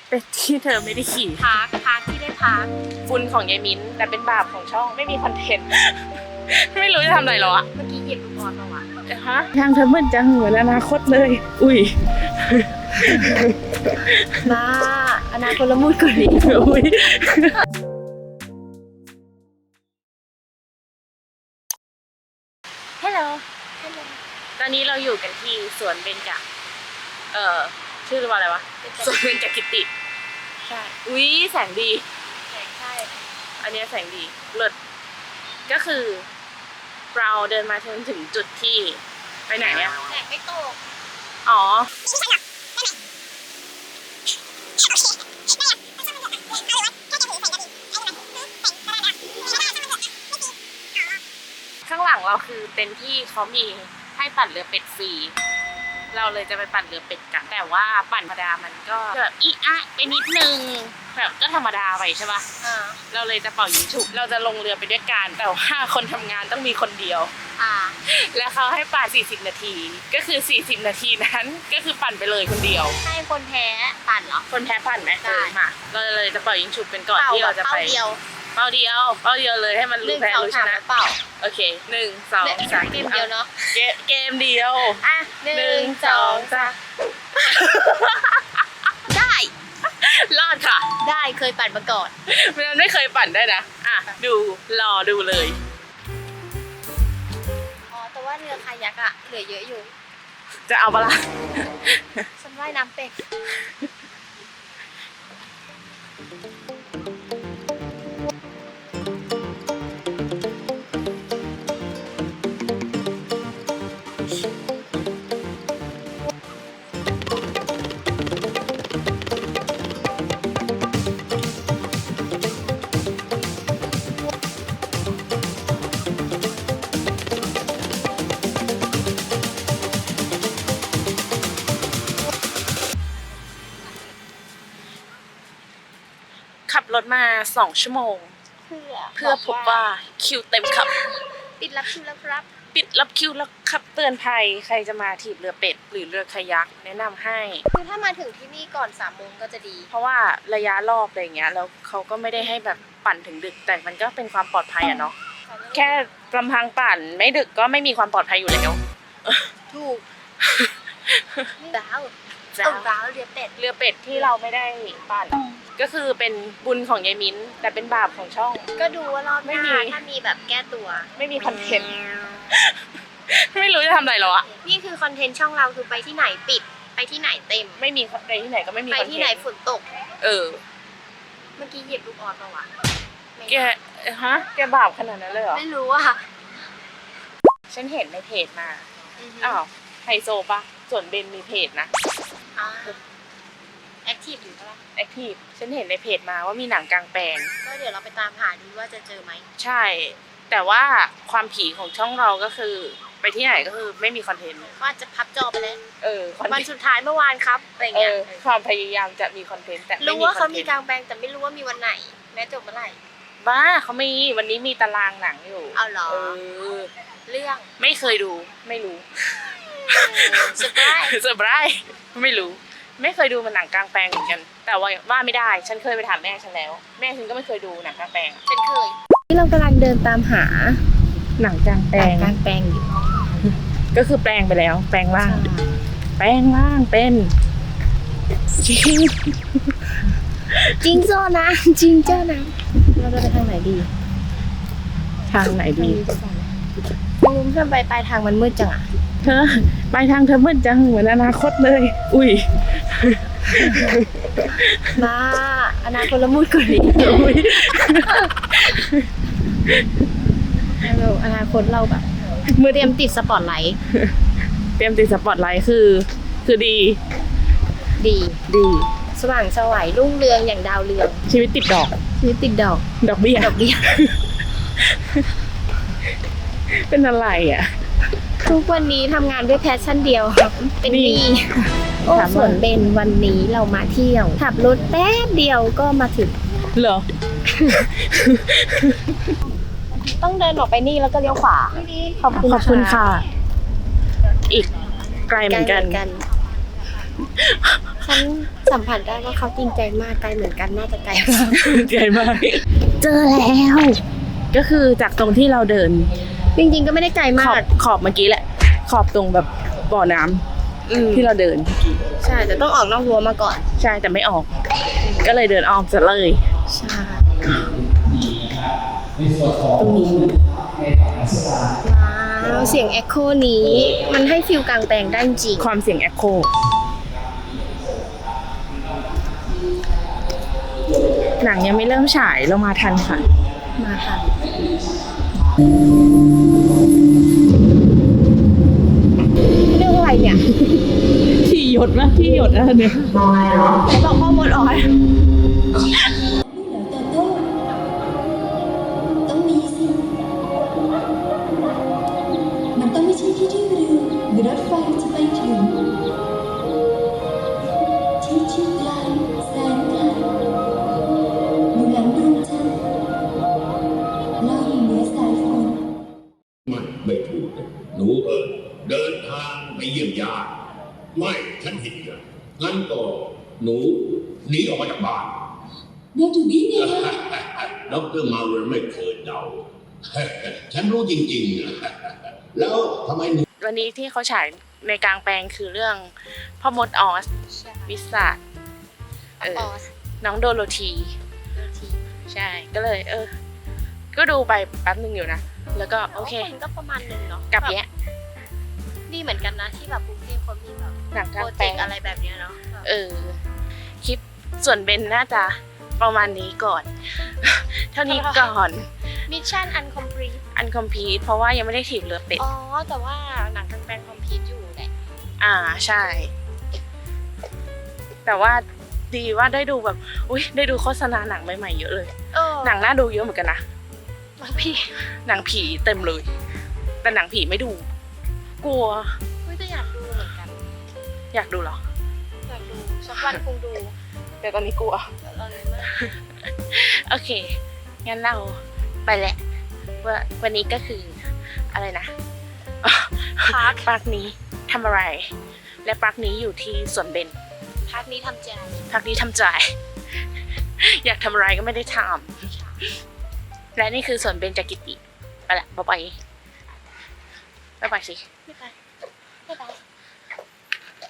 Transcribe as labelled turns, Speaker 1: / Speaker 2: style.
Speaker 1: เป็นที่เธอไม่ได้ขี่
Speaker 2: พักที่ได้พัก
Speaker 1: ฝุ่นของยายมิ้นแต่เป็นบาปของช่องไม่มีคอนเทนต์ ไม่รู้จะทำอะไรหรออะ
Speaker 2: เมื่อกี้เหยียบลูกออสมาวะ
Speaker 1: ฮะทางเธอมืดจังเหมือนอนาคตเลย อุ้ย
Speaker 2: มาอนาคตละมุดกว่านี้
Speaker 1: อุ้ยฮัลโหลตอนนี้เราอยู่กันที่สวนเบญจชื่อว่าอะไรวะสวนเบญจกิติใช่อุ้ยแสงดี
Speaker 2: ใช่
Speaker 1: อันนี้แสงดีเลิศก็คือเราเดินมาถึงจุดที่ไปไหนอะ
Speaker 2: แสงไม่ตก
Speaker 1: อ๋อข้างหลังเราคือเต็นท์ที่เขามีให้ปั่นเรือเป็ดฟรีเราเลยจะไปปั่นเรือเป็ดกันแต่ว่าปั่นธรรมดามันก็แบบอีอะไปนิดนึงแบบก็ธรรมดาไปใช่ปะเราเลยจะเป่ายิงฉุบเราจะลงเรือไปด้วยกันแต่ว่าคนทำงานต้องมีคนเดียวแล้วเขาให้ปั่น40 นาทีก็คือ40 นาทีนั้นก็คือปั่นไปเลยคนเดียว
Speaker 2: ให้คนแพ้ปั่นเหรอ
Speaker 1: คนแพ้ปั่นไหม
Speaker 2: ได้
Speaker 1: มาเราเลยจะเป่ายิงฉุบเป็นก่อนที่เราจะไป เป้าเดียวเลยให้มันรู้แพ้รู้ชนะ
Speaker 2: เปล่า
Speaker 1: โอเค1 2 3
Speaker 2: เกมเดียวเนาะ
Speaker 1: เกมเดียว
Speaker 2: อ่ะ1 2 3ได้
Speaker 1: รอดค่ะ
Speaker 2: ได้เคยปั่นมาก่อน
Speaker 1: มันไม่เคยปั่นได้นะอ่ะรอดูเลย
Speaker 2: อ๋อแต่ว่าเรือคายักอะเหลือเยอะอยู่
Speaker 1: จะเอาปะล่ะ
Speaker 2: ฉันว่ายน้ำเป็น
Speaker 1: ขับรถมา2 ชั่วโมง เพื่อพบว่าคิวเต็มครับ
Speaker 2: ปิดรับคิวแล้วครับ
Speaker 1: ปิดรับคิวแล้วครับเตือนภัยใครจะมาถีบเรือเป็ดหรือเรือคายักแนะนำให้
Speaker 2: คือถ้ามาถึงที่นี่ก่อน3 โมงก็จะดี
Speaker 1: เพราะว่าระยะรอบอะไรเงี้ยแล้วเขาก็ไม่ได้ให้แบบปั่นถึงดึกแต่มันก็เป็นความปลอดภัยอะเนาะแค่ลำพังปั่นไม่ดึกก็ไม่มีความปลอดภัยอยู่แล้ว
Speaker 2: ถูกว้าว
Speaker 1: จ้า
Speaker 2: ว้าวเรือเป็ด
Speaker 1: เรือเป็ดที่เราไม่ได้ปั่นก็คือเป็นบุญของยายมิ้นแต่เป็นบาปของช่อง
Speaker 2: ก็ดูว่ารอบห
Speaker 1: ไม่
Speaker 2: น้า
Speaker 1: มี
Speaker 2: ถ้ามีแบบแก้ตัว
Speaker 1: ไม่มีคอนเทนต์ ไม่รู้จะทำอะไรหรออะ
Speaker 2: นี่คือคอนเทนต์ช่องเราคือไปที่ไหนปิด ไปที่ไหนเต็ม
Speaker 1: ไม่มีไปที่ไหนก็ไม่มี
Speaker 2: ไป
Speaker 1: คอนเทนต์
Speaker 2: ที่ไหนฝนตก
Speaker 1: เออ
Speaker 2: เมื่อกี้เหยียบลูกออสมาวะไม่
Speaker 1: แกแกบาปขนาดนั้นเลยเหรอ
Speaker 2: ไม่รู้อ่ะ
Speaker 1: ฉันเห็นในเพจมาอ้าวไฮโซปะส่วนเบนมีเพจนะ
Speaker 2: แอคทีฟอยู่ปะล่ะ
Speaker 1: แอคทีฟฉันเห็นในเพจมาว่ามีหนังกลางแปลง
Speaker 2: ก็เดี๋ยวเราไปตามหาดูว่าจะเจอไหม
Speaker 1: ใช่ แต่ว่าความผีของช่องเราก็คือ ไปที่ไหนก็คือไม่มีคอนเทนต์
Speaker 2: ว่าจะพับจอไปแล้ว
Speaker 1: คอน
Speaker 2: วัน
Speaker 1: เทนต์
Speaker 2: สุดท้ายเมื่อวานครับอะไรเงี้ย
Speaker 1: ความพยายามจะมีคอนเทนต์แต่ไม่
Speaker 2: รู้
Speaker 1: มี
Speaker 2: ว่า
Speaker 1: ค
Speaker 2: เขา
Speaker 1: อนเท
Speaker 2: มี
Speaker 1: น
Speaker 2: กลา
Speaker 1: ต์
Speaker 2: งแปลงแต่ไม่รู้ว่ามีวันไหนและจบเมื่อไหร่
Speaker 1: บ้าเขามีวันนี้มีตารางหนังอยู่
Speaker 2: เอาเหรอ เรื่อง
Speaker 1: ไม่เคยดูไม่รู้
Speaker 2: เซอร์ไพรส์
Speaker 1: เซอร์ไพรส์ไม่รู้ ไม่เคยดูมันหนังกลางแปลงเหมือนกัน แต่ว่าไม่ได้ ฉันเคยไปถามแม่ฉันแล้ว แม่ฉันก็ไม่เคยดูหนังกลางแปลง
Speaker 2: เป็นเคยที่เรากำลังเดินตามหา
Speaker 1: หนังกลางแปลง
Speaker 2: กลางแปลงอยู่
Speaker 1: ก็คือแปลงไปแล้ว แปลงร่าง แปลงร่างเป็นจริง
Speaker 2: จริงเจ้านะจริงเจ้านะเราจะไปทางไหนดี
Speaker 1: ทางไหนดี
Speaker 2: ไม่รู้ทำไมปลายทางมันมืดจังอ่ะ
Speaker 1: เธอไปทางเธอมืดจังเหมือนอนาคตเลย อุ้ย
Speaker 2: มาอนาคตละมุดกว่านี้
Speaker 1: อุ้ย
Speaker 2: เราอนาคตเราแบบเตรียมติดสปอตไลท์
Speaker 1: เตรียมติดสปอตไลท์คือดี
Speaker 2: ดี
Speaker 1: ดี
Speaker 2: สว่างไสวัยรุ่งเรืองอย่างดาวเรือง
Speaker 1: ชีวิตติดดอก
Speaker 2: ชีวิตติดดอก
Speaker 1: ดอกเบี้ย
Speaker 2: ดอกเบี้ย
Speaker 1: เป็นอะไรอ่ะ
Speaker 2: ทุกวันนี้ทำงานด้วยแพชชั่นเดียวครับเป็นห
Speaker 1: นี่
Speaker 2: นี้โอ้
Speaker 1: ถามว่า
Speaker 2: ส่วนเบนวันนี้เรามาเที่ยวขับรถแป๊บเดียวก็มาถึง
Speaker 1: เหรอ
Speaker 2: ต้องเดินออกไปนี่แล้วก็เลี้ยวขวาขอบคุณ
Speaker 1: ขอบคุณค่ะ อีกไกลเหมือนกัน
Speaker 2: กันฉันสัมผัสได้ว่าเขาจริงใจมากไกลเหมือนกันน่าจะไกลมาก
Speaker 1: ไกลมากเจอแล้วก็คือจากตรงที่เราเดิน
Speaker 2: จริงๆก็ไม่ได้ไกล
Speaker 1: ข
Speaker 2: มา
Speaker 1: อบ
Speaker 2: ก
Speaker 1: ขอบเมื่อกี้แหละ ขอบตรงแบบบ่อน้ำที่เราเดิน
Speaker 2: ใช่แต่ต้องออกนอกรั้วมาก่อน
Speaker 1: ใช่แต่ไม่ออก ก็เลยเดินอ้อมจะเลย
Speaker 2: ใช่
Speaker 1: ตรงนี้
Speaker 2: ว้าวเสียงเอ็กโคนี้มันให้ฟิลกลางแปลงได้จริง
Speaker 1: ความเสียงแอคโคหนังยังไม่เริ่มฉายเรามาทันค่ะ
Speaker 2: มาค่ะเรื่องอะไรเนี่ย
Speaker 1: ที่หยดนะที่หยดนะเนี่ย
Speaker 2: เขาบอกข้อมูลอ่อน
Speaker 3: โตโต้ต้องมีสิ มันต้องไม่ใช่ที่ที่เรือหรือรถไฟจะไปถึง ที่ที่ไกลแสนไกลอยู่หลังดวงจันทร์ลอยอยู่เหนือสายฝน
Speaker 4: ไม่ถูกนะหนูเดินทางไปเยี่ยมญาติไม่ฉันผิดนะงั้นก็หนูหนีออกมาจากบ้าน
Speaker 3: เราถูกได้ไงล่ะ
Speaker 4: ดรมาเวลไม่เคยเดา ฉันรู้จริงๆนะแล้วทำไมหนู
Speaker 1: วันนี้ที่เขาฉายในกลางแปลงคือเรื่องพ่อมดออสวิสาน้องโดโรธีใช่ก็เลยก็ดูไปแป๊บนึงอยู่นะ แล้วก็โอเค
Speaker 2: ก็ประมาณนึงเนาะ
Speaker 1: กลับแยะ
Speaker 2: ดีเหมือนกันนะที่แบบกรุงเทพเขามีแบบ
Speaker 1: หนังก
Speaker 2: โป
Speaker 1: ลาง
Speaker 2: ร
Speaker 1: แป
Speaker 2: เจ
Speaker 1: ล
Speaker 2: ก
Speaker 1: ง
Speaker 2: ต์อะไรแบบเนี้ยเนาะ
Speaker 1: คลิปส่วนเบนน่าจะประมาณนี้ก่อน เท่านี้ก่อน
Speaker 2: มิชชั่นอันคอมพลีท
Speaker 1: อันคอมพีทเพราะว่ายังไม่ได้ถีบเรือเป็ด
Speaker 2: อ๋อแต่ว่าหนังกลางแปลงคอมพลีทอยู่แหละ
Speaker 1: ใช่ แต่ว่าดีว่าได้ดูแบบอุ้ยได้ดูโฆษณาหนังใหม่ๆเยอะเลย หนังน่าดูเยอะเหมือนกันนะ
Speaker 2: บางพี่
Speaker 1: หนังผีเต็มเลย แต่หนังผีไม่ดู กลัว
Speaker 2: ก็อยากดูเหมือนกัน
Speaker 1: อยากดูเหรอ
Speaker 2: อยากดูสักวันคงดู
Speaker 1: แต่ตอนนี้กลัว
Speaker 2: แต่ตอนนี้ไม่
Speaker 1: โอเค งั้นเราไปแหละว่าวันนี้ก็คืออะไรนะ ปาร์คนี้ทำอะไร และปาร์คนี้อยู่ที่สวนเบน
Speaker 2: พักนี้ทำใจ
Speaker 1: ปาร์คนี้ทำใจ อยากทำอะไรก็ไม่ได้ทำและนี่คือสวนเบนจกิติไปละบ๊ายบายบ๊ายบายสิ
Speaker 2: ไม่ไปไม่ไป